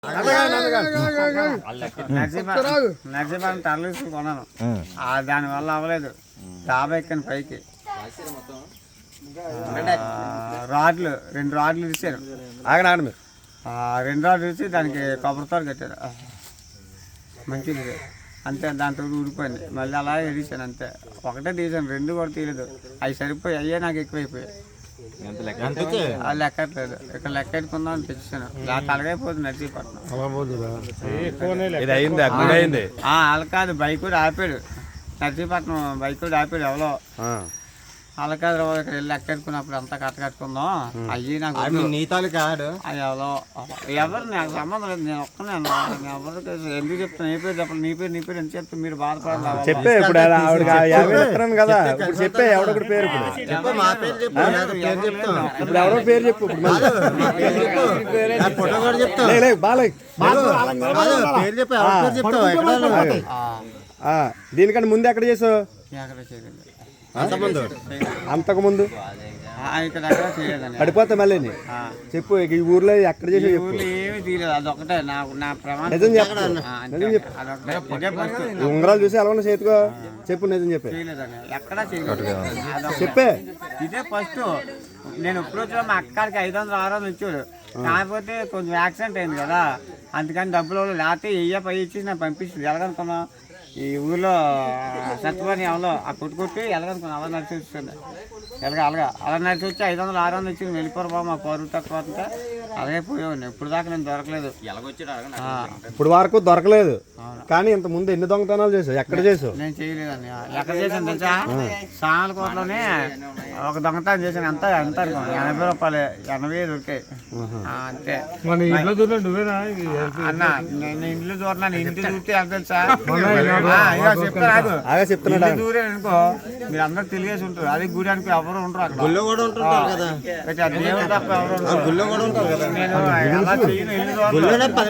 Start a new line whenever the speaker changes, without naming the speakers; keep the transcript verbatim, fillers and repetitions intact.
నర్సీపాలెం టర్లీస్ కొన్నాను, దానివల్ల అవ్వలేదు. డాబా ఎక్కాను పైకి, రాడ్లు రెండు రాడ్లు ఇచ్చారు.
ఆగనాడు మీరు
రెండు రాడ్లు ఇచ్చి దానికి కొబ్బరితో కట్టారు. మంచిది అంతే, దాంతో ఊడిపోయింది. మళ్ళీ అలా ఎడిచాను అంతే. ఒకటే తీసాను, రెండు కూడా తీయలేదు. అవి సరిపోయి అయ్యే నాకు ఎక్కువైపోయాయి. లెక్కట్లేదు, ఇక్కడ లెక్క ఎట్టుకుందాం అని తెచ్చాను. తలగైపోతుంది నర్సీపట్నం. వాళ్ళ కాదు, బైక్ కూడా ఆపాడు నర్సీపట్నం, బైక్ కూడా ఆపాడు ఎవరో. వాళ్ళ కాదు, ఇక్కడ వెళ్ళి లెక్క ఎట్టుకున్నప్పుడు అంతా కట్ట కట్టుకుందాం. అయ్యి నాకు
నీతాలు కాదు,
అది ఎవరో ఎవరు నాకు సంబంధం లేదు. నేను ఒక్కనే ఎవరికి ఎందుకు చెప్తాను, నీ పేరు చెప్పాలి, నీ పేరు నీ పేరు ఎంత చెప్తే మీరు బాధపడాలి.
చెప్పే ఇప్పుడు కదా, ఇప్పుడు చెప్పే ఎవడొకటి పేరు, ఇప్పుడు ఎవరో పేరు చెప్పు. దీనికంటే ముందు ఎక్కడ చేసావు? అంతకు ముందు పడిపోతా మళ్ళీ చెప్పు. ఈ ఊర్లో ఎక్కడ చేసావు చెప్పు.
ఏమి తీయలేదు, అదొకటే నాకు నా ప్రమాణం.
నిజం చెప్పు. ఉంగరాలు చూసి ఎలా ఉన్నా చేతికో చెప్పు. నిజం చెప్పే,
ఎక్కడా చేయలేదు.
చెప్పే.
ఇదే ఫస్ట్. నేను ఇప్పుడు వచ్చిన మా అక్కడికి ఐదు వందలు ఆరు వందలు ఇచ్చాడు. కాకపోతే కొంచెం యాక్సిడెంట్ అయింది కదా, అందుకని డబ్బులు లేకపోతే వెయ్యి పై ఇచ్చి నేను పంపిస్తుంది. ఎలాగనుకున్నా ఈ ఊళ్ళో సత్యవాణి ఎవరో ఆ కొట్టు కొట్టి ఎలాగనుకున్నా అలా నడిచి వచ్చింది. ఎలాగ అలాగా అలా నడిచి వచ్చి ఐదు వందలు ఆరు వందలు ఇచ్చి వెళ్ళిపోరు బాబు, మా పరువు తక్కువ అంతా అలాగే పోయేవాడిని. ఇప్పుడు దాకా నేను దొరకలేదు.
ఇప్పుడు వరకు దొరకలేదు. కానీ ఇంత ముందు ఎన్ని దొంగతనాలు చేసావు? ఎక్కడ చేసావు?
నేను చేయలేదండి. ఎక్కడ చేశాను తెలుసా? సామలకోటలోనే ఒక దొంగతనం చేశాను. ఎంత ఎంత అనుకోండి, ఎనభై రూపాయలు ఎనభై దొరికాయి అంతే. అన్న నేను ఇంట్లో దూరన్నాను. ఇంటి చూస్తే ఎంత తెలుసా? చెప్తున్నా దూరే అనుకో, మీరు అందరూ తెలియసి ఉంటారు. అది గుడి అనుకో ఎవరు ఉంటారు, అక్కడ గుళ్ళో కూడా ఉంటారు కదా, దేవుడు తప్ప ఎవరు ఉంటారు. నేను ఎలా చేయను.